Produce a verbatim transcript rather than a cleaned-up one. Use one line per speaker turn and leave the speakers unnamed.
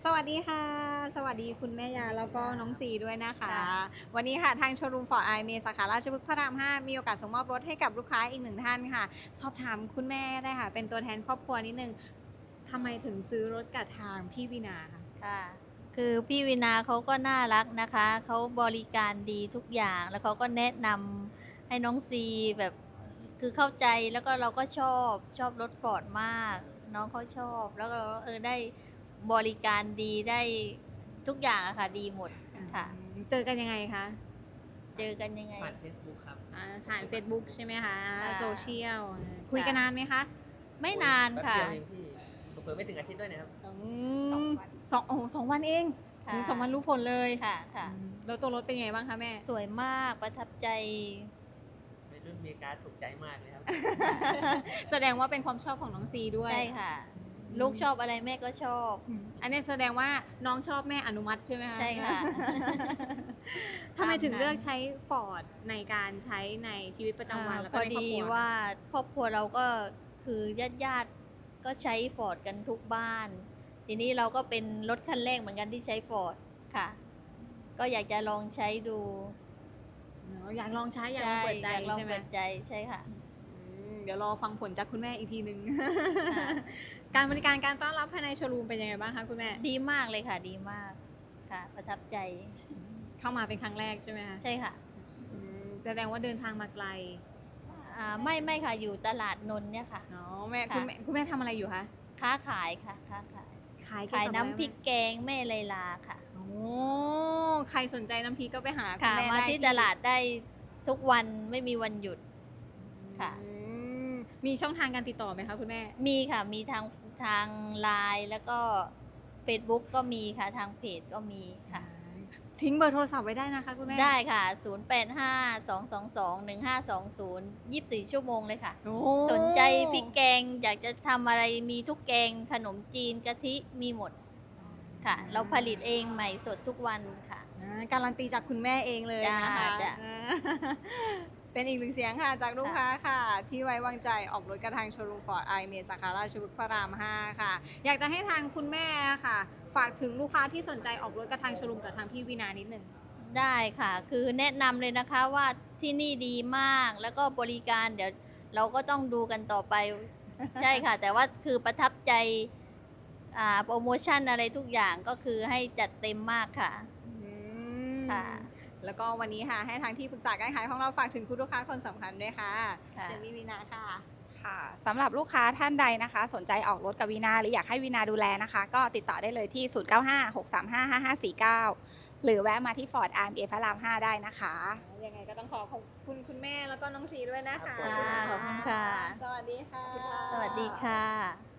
สวัสดีค่ะ สวัสดีคุณแม่ยาแล้วก็น้องซีด้วยนะคะ
ค่ะ
วันนี้ค่ะทางโชว์รูมฟอร์ดไอเมสาขาราชพฤกษ์พระราม ห้า มีโอกาสส่งมอบรถให้กับลูกค้าอีกหนึ่งท่านค่ะ สอบถามคุณแม่ได้ค่ะ เป็นตัวแทนครอบครัวนิดนึงทำไมถึงซื้อรถกับทางพี่วินาคะ
ค่ะ คือพี่วินาเขาก็น่ารักนะคะ เขาบริการดีทุกอย่าง แล้วเขาก็แนะนำให้น้องซีแบบ คือเข้าใจแล้วก็เราก็ชอบชอบรถฟอร์ดมาก น้องเขาชอบ แล้วก็เออได้บริการดีได้ทุกอย่างอะค่ะดีหมดค่ะ
เจอกันยังไงคะ
เจอกันยังไง
ผ่าน Facebook ครับ
อ่าผ่าน Facebook ใช่ไหมคะ
ค่ะ
โซเชียล คุยกันนานไหมคะ
ไม่นานค่ะ
แป๊บเดียวเองพี่เปิดไม่ถึงอาทิตย์ด้วยนะครับ
อืมสองโอ้โหสองวันเอง
ค่ะ
ถึงสองวันรู้ผลเลย
ค่ะค่ะ
อืมแล้วตัวรถเป็นไงบ้างคะแม่
สวยมากประทับใจ
วัยรุ่นมีการดถูกใจมากเลยครับ
แสดงว่าเป็นความชอบของน้องซีด้วย
ใช่ค่ะ ลูกชอบอะไรแม่ก็ชอบ
อืมอันนี้แสดงว่าน้องชอบแม่อนุมัติใช่ไหมคะ
ใช่ค่ะ
ทำไมถึง
ตามนั้น
เลือกใช้ฟอร์ดในการใช้ในชีวิตประจำวัน
อ่า
แล้ว
พ
ก็
อ
ในครอบ
ดี
ครัว
ว่าครอบครัวเราก็คือญาติญาติๆก็ใช้ฟอร์ดกันทุกบ้าน ทีนี้เราก็เป็นรถคันแรกเหมือนกันที่ใช้ฟอร์ดค่ะ ก็อยากจะลองใช้ดู
เนอะอยากลองใช้อยากล
ใช่
องเปิดใจ
อยากลอง
ใช่ไหม
เปิดใจใช่ค่ะ
อืมเดี๋ยวรอฟังผลจากคุณแม่อีกทีหนึ่ง
ค่ะ
การบริการการต้อนรับภายในโชว์รูมเป็นยังไงบ้างคะคุณแม่
ดีมากเลยค่ะดีมากค่ะ ประทับใจ
เข้ามาเป็นครั้งแรกใช่ไหมคะ
ใช่ค่ะ
อืมแสดงว่าเดินทางมาไกล
อ่าไม่ไม่ค่ะอยู่ตลาดนนท์เนี่ยค่ะ
อ๋อแม่
ค่ะ
คุณแม่คุณแม่ทำอะไรอยู่คะ
ค้าขายค่ะค้าขาย
ขายเกี่ว
ขาย
กับ
น้ำ
อะไร
พริกแกงแม่ไลลาค่ะ
โอ้ใครสนใจน้ำพริกก็ไปหาคุณ
ค่ะ
แม่
มา
ได้
ที่ตลาดได้ทุกวันไม่มีวันหยุด ค่ะ
อืมมีช่องทางการติดต่อไหมคะคุณแม่
มีค่ะ มีทางทางไลน์แล้วก็ Facebook ก็มีค่ะ ทางเพจก็มีค่ะ
ทิ้งเบอร์โทรศัพท์ไว้ได้นะคะคุณแม่
ได้ค่ะ ศูนย์ แปด ห้า สอง สอง สอง หนึ่ง ห้า สอง ศูนย์ ยี่สิบสี่ ชั่วโมงเลยค่ะ
โอ้
สนใจพริกแกง อยากจะทำอะไรมีทุกแกง ขนมจีนกะทิมีหมดค่ะ เราผลิตเองใหม่สดทุกวันค่ะ
อ่าการันตีจากคุณแม่เองเลยนะคะ
จ้าจ้า
อ่าเป็นอีกหนึ่งเสียงค่ะ จากลูกค้าค่ะ ที่ไว้วางใจออกรถกระทางโชว์รูมฟอร์ดไอเมสาขาราชพฤกษ์พระราม ห้า ค่ะ อยากจะให้ทางคุณแม่ค่ะ ฝากถึงลูกค้าที่สนใจออกรถกระทางโชว์รูมกับทางพี่วินานิดหนึ่ง
ได้ค่ะ คือแนะนำเลยนะคะว่าที่นี่ดีมาก แล้วก็บริการเดี๋ยวเราก็ต้องดูกันต่อไป ใช่ค่ะ แต่ว่าคือประทับใจอ่าโปรโมชั่นอะไรทุกอย่างก็คือให้จัดเต็มมากค่ะ
อืม
ค่ะ
แล้วก็วันนี้ค่ะ ให้ทางที่ปรึกษาการขายของเราฝากถึงคุณลูกค้าคนสำคัญด้วยค่ะ
ค่ะ
เชิญพี่วินาค่ะ
ค่ะสำหรับลูกค้าท่านใดนะคะ สนใจออกรถกับวีนาหรืออยากให้วีนาดูแลนะคะ ก็ติดต่อได้เลยที่ ศูนย์ เก้า ห้า หก สาม ห้า ห้า ห้า สี่ เก้า หรือแวะมาที่ Ford อาร์ เอ็ม เอ พระราม ห้า ได้นะคะ
ยังไงก็ต้องขอขอบคุณคุณแม่แล้วก็น้องสีด้วยนะคะ
ค่ะขอบคุณค่ะ
สวัสดีค่ะ
สวัสดีค่ะ